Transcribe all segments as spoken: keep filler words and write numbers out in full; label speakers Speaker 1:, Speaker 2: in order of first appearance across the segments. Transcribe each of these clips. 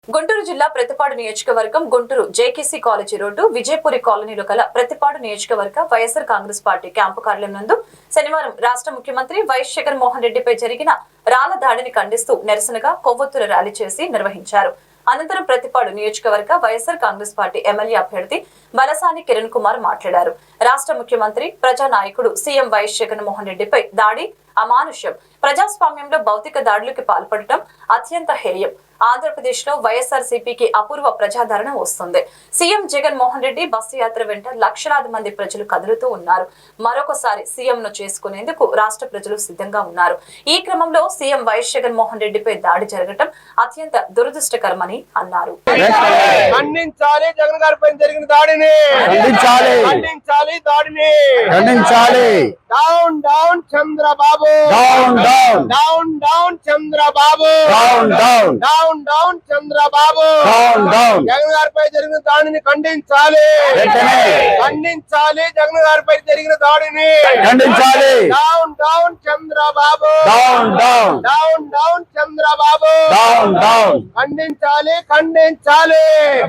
Speaker 1: గుంటూరు జిల్లా ప్రతిపాడు నియోజకవర్గం Guntur JKC college road Vijayapuri కాలనీలో గల ప్రతిపాడు నియోజకవర్గ వైఎస్ఆర్ కాంగ్రెస్ పార్టీ క్యాంపు కార్యాలయం నందు శనివారం రాష్ట్ర ముఖ్యమంత్రి వైఎస్ జగన్మోహన్ రెడ్డిపై జరిగిన రాళ్ల దాడిని ఖండిస్తూ నిరసనగా కొవ్వొత్తుల ర్యాలీ చేసి నిర్వహించారు. అనంతరం ప్రతిపాడు నియోజకవర్గ వైఎస్ఆర్ కాంగ్రెస్ పార్టీ ఎమ్మెల్యే అభ్యర్థి బలసాని కిరణ్ కుమార్ మాట్లాడారు. రాష్ట్ర ముఖ్యమంత్రి ప్రజానాయకుడు సీఎం వైఎస్ జగన్మోహన్ రెడ్డిపై దాడి అమానుష్యం, ప్రజాస్వామ్యంలో భౌతిక దాడులకు పాల్పడటం అత్యంత హేయం. ఆంధ్రప్రదేశ్ లో వైఎస్ఆర్ సిపికి అపూర్వ ప్రజాదరణ వస్తుంది. సీఎం జగన్మోహన్ రెడ్డి బస్సు యాత్ర వెంట లక్షలాది మంది ప్రజలు కదులుతూ ఉన్నారు. మరొకసారి సీఎం ను చేసుకునేందుకు రాష్ట్ర ప్రజలు సిద్ధంగా ఉన్నారు. ఈ క్రమంలో సీఎం వైఎస్ జగన్మోహన్ రెడ్డిపై దాడి జరగటం అత్యంత దురదృష్టకరమని అన్నారు.
Speaker 2: ఖండించాలి జగన్ గారిపై జరిగిన దాడిని,
Speaker 3: ఖండించాలి
Speaker 2: ఖండించాలి దాడిని,
Speaker 3: ఖండించాలి.
Speaker 2: Down down Chandrababu,
Speaker 3: down down
Speaker 2: down down Chandrababu,
Speaker 3: down down
Speaker 2: down down Chandrababu,
Speaker 3: down down
Speaker 2: Jagan గారిపై జరిగిన దాడిని ఖండించాలి,
Speaker 3: వెంటనే
Speaker 2: ఖండించాలి జగన్ గారిపై జరిగిన దాడిని,
Speaker 3: ఖండించాలి.
Speaker 2: Down down Chandrababu,
Speaker 3: down down
Speaker 2: down down Chandrababu,
Speaker 3: down down
Speaker 2: ఖండించాలి ఖండించాలి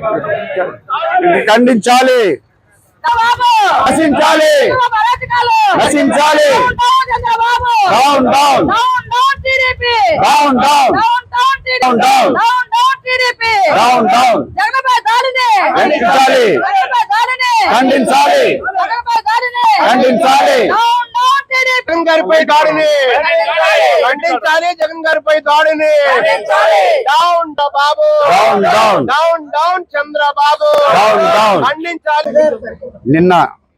Speaker 3: ఖండించాలి. నశించాలి నశించాలి. Down down down down down down down down ఖండించాలి ఖండించాలి ఖండించాలి.
Speaker 2: జగన్ గారిపై దాడిని ఖండించాలి, జగన్ గారిపై దాడిని, down Babu,
Speaker 3: down down
Speaker 2: down down Chandrababu,
Speaker 3: down down.
Speaker 2: ఖండించాలి.
Speaker 3: నిన్న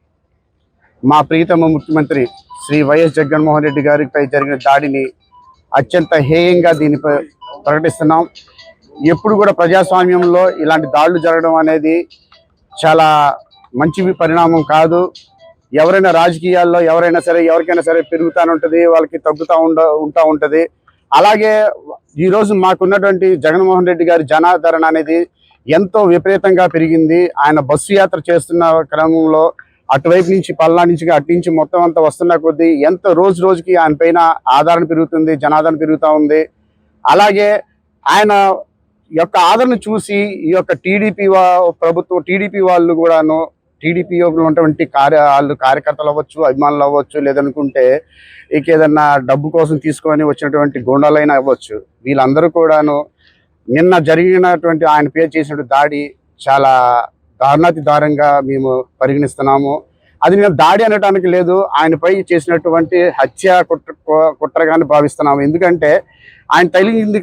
Speaker 3: మా ప్రీతమ ముఖ్యమంత్రి శ్రీ వైఎస్ జగన్మోహన్ రెడ్డి గారిపై జరిగిన దాడిని అత్యంత హేయంగా దీనిపై ప్రకటిస్తున్నాం. ఎప్పుడు కూడా ప్రజాస్వామ్యంలో ఇలాంటి దాడులు జరగడం అనేది చాలా మంచి పరిణామం కాదు. ఎవరైనా రాజకీయాల్లో ఎవరైనా సరే ఎవరికైనా సరే పెరుగుతూనే ఉంటుంది, వాళ్ళకి తగ్గుతూ ఉండ ఉంటా ఉంటుంది. అలాగే ఈరోజు మాకున్నటువంటి జగన్మోహన్ రెడ్డి గారి జనాదరణ అనేది ఎంతో విపరీతంగా పెరిగింది. ఆయన బస్సు యాత్ర చేస్తున్న క్రమంలో అటువైపు నుంచి పల్లా నుంచి అటు నుంచి మొత్తం అంతా వస్తున్న కొద్దీ ఎంతో రోజు రోజుకి ఆయన పైన ఆదరణ పెరుగుతుంది, జనాదరణ పెరుగుతూ ఉంది. అలాగే ఆయన యొక్క ఆదరణ చూసి ఈ యొక్క టీడీపీ ప్రభుత్వం టీడీపీ వాళ్ళు కూడాను టీడీపీ ఉన్నటువంటి కార్య వాళ్ళు కార్యకర్తలు అవ్వచ్చు, అభిమానులు అవ్వచ్చు, లేదనుకుంటే ఇక ఏదన్నా డబ్బు కోసం తీసుకొని వచ్చినటువంటి గూండాలైనా అవ్వచ్చు, వీళ్ళందరూ కూడాను నిన్న జరిగినటువంటి ఆయన పేరు చేసినటువంటి దాడి చాలా దారుణాతి దారుణంగా మేము పరిగణిస్తున్నాము. అది నేను దాడి అనడానికి లేదు, ఆయనపై చేసినటువంటి హత్య కుట్ర కుట్రగానే భావిస్తున్నాము. ఎందుకంటే ఆయన తగిలింది